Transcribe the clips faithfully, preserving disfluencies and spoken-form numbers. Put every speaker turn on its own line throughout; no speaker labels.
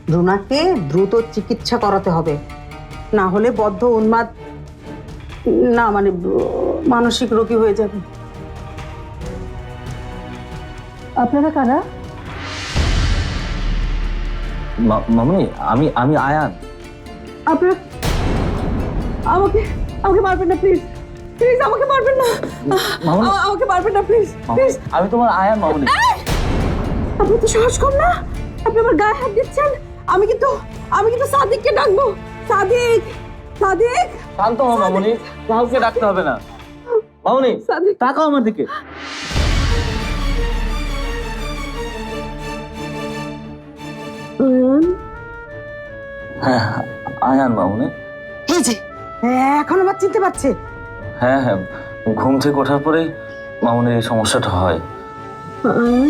রুনাকে দ্রুত চিকিৎসা করাতে হবে, না হলে বদ্ধ উন্মাদ না মানে মানসিক রোগী হয়ে যাবে। আপনারা কারা?
মামনি, আমি আমি আয়ান।
আপনারা আমাকে আমাকে মারবেন না প্লিজ, প্লিজ আমাকে মারবেন না, আমাকে মারবেন না প্লিজ প্লিজ।
আমি তোমার আয়ান মামনি।
আপনি তো সাহস কম না, আপনি আমার গায়ে হাত দিচ্ছেন। আমি কিন্তু আমি কিন্তু সাদিককে ডাকবো। সাদিক, সাদিক।
শান্ত হও মামনি, কাউকে ডাকতে হবে না। মামনি তাকাও আমার দিকে।
আয়ান,
হ্যাঁ আয়ান মামনি।
এই যে এখন আবার চিনতে পারছে।
হ্যাঁ হ্যাঁ, ঘুম থেকে ওঠার পরেই মামনির এই সমস্যাটা হয়।
আয়ান,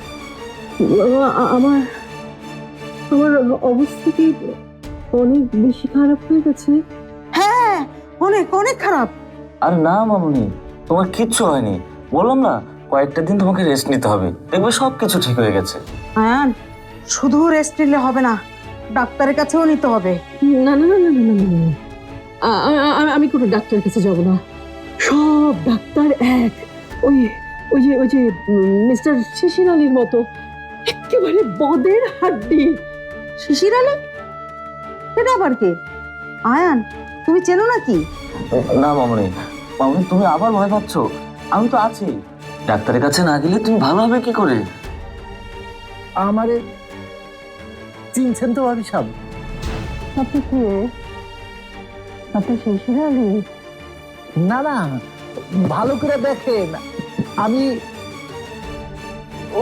আমার আমার অবস্থা কি অনেক বেশি খারাপ হয়ে গেছে? হ্যাঁ, অনেক অনেক খারাপ।
আর না মামনি, তোমার কিচ্ছু হয়নি। বললাম না, কয়েকটা দিন তোমাকে রেস্ট নিতে হবে, দেখবে সব কিছু ঠিক হয়ে গেছে।
আয়ান, শুধু রেস্ট নিলে হবে না, ডাক্তারের কাছেও নিতে হবে। না না না না না না না, আমি কোনো ডাক্তারের কাছে যাব না। সব ডাক্তার এক, ওই ওই যে ওই যে মিস্টার শিশির আলীর মতো, একেবারে বদের হাড্ডি। শিশির আলী? এটা আবার কে? আয়ান, তুমি চেনো নাকি?
না মামনি, মামনি তুমি আবার ভয় পাচ্ছ। আমি তো আছি, ডাক্তারের কাছে না গেলে তুমি ভালো হবে কি করে? আমারে চিনছেন তো ভাবি সাহেব?
আপনি কে? আপনি শিশির আলী?
না না, ভালো করে দেখেন, আমি
ও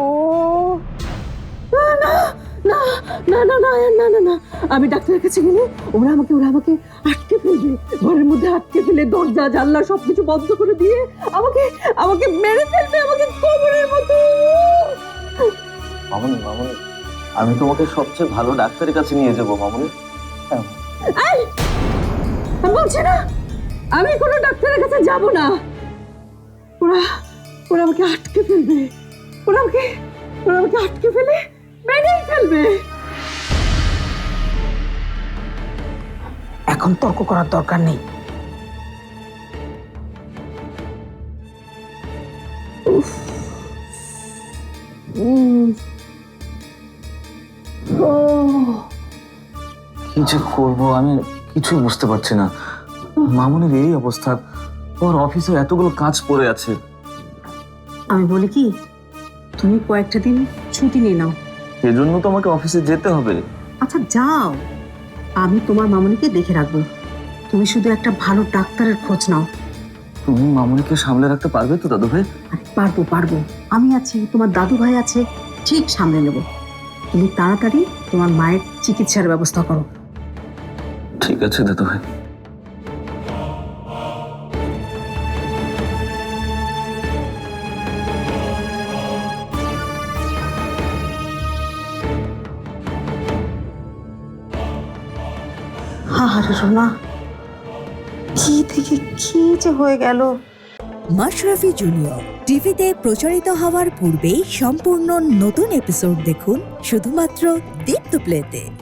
না না না না না না না না, আমি ডাক্তারের কাছে গেলে ওরা আমাকে ওরা আমাকে আটকে ফেলবে, ঘরের মধ্যে আটকে ফেলে দরজা জানলা সবকিছু বন্ধ করে দিয়ে আমাকে আমাকে মেরে ফেলবে, আমাকে কবরের মতো।
মামনি মামনি, আমি তোমাকে সবচেয়ে ভালো ডাক্তারের কাছে নিয়ে যাবো মামনি।
এই, আমি বলছি না আমি কোনো ডাক্তারের কাছে যাব না। ওরা ওরা আমাকে আটকে ফেলবে, ওরা আমাকে ওরা আমাকে আটকে ফেলে মেরেই ফেলবে। এখন তর্ক করার দরকার নেই। উফ, উম, ও,
কি যে করবো আমি কিছু বুঝতে পারছি না। মামনির এই অবস্থা, ওর অফিসে এতগুলো কাজ পড়ে আছে।
আমি বলি কি, তুমি কয়েকটা দিন ছুটি নিয়ে নাও।
এজন্য তো আমাকে অফিসে যেতে হবে।
আচ্ছা যাও, আমি তোমার মামনিকে দেখে রাখবো। তুমি শুধু একটা ভালো ডাক্তারের খোঁজ নাও।
তুমি মামনিকে সামলে রাখতে পারবে তো দাদু ভাই?
পারবো পারবো, আমি আছি, তোমার দাদু ভাই আছে, ঠিক সামলে নেব। তুমি তাড়াতাড়ি তোমার মায়ের চিকিৎসার ব্যবস্থা করো।
ঠিক আছে দাদু ভাই।
আরে সোনা, কি থেকে কি যে হয়ে গেল।
মাশরাফি জুনিয়র টিভিতে প্রচারিত হওয়ার পূর্বেই সম্পূর্ণ নতুন এপিসোড দেখুন শুধুমাত্র দীপ্ত প্লেতে।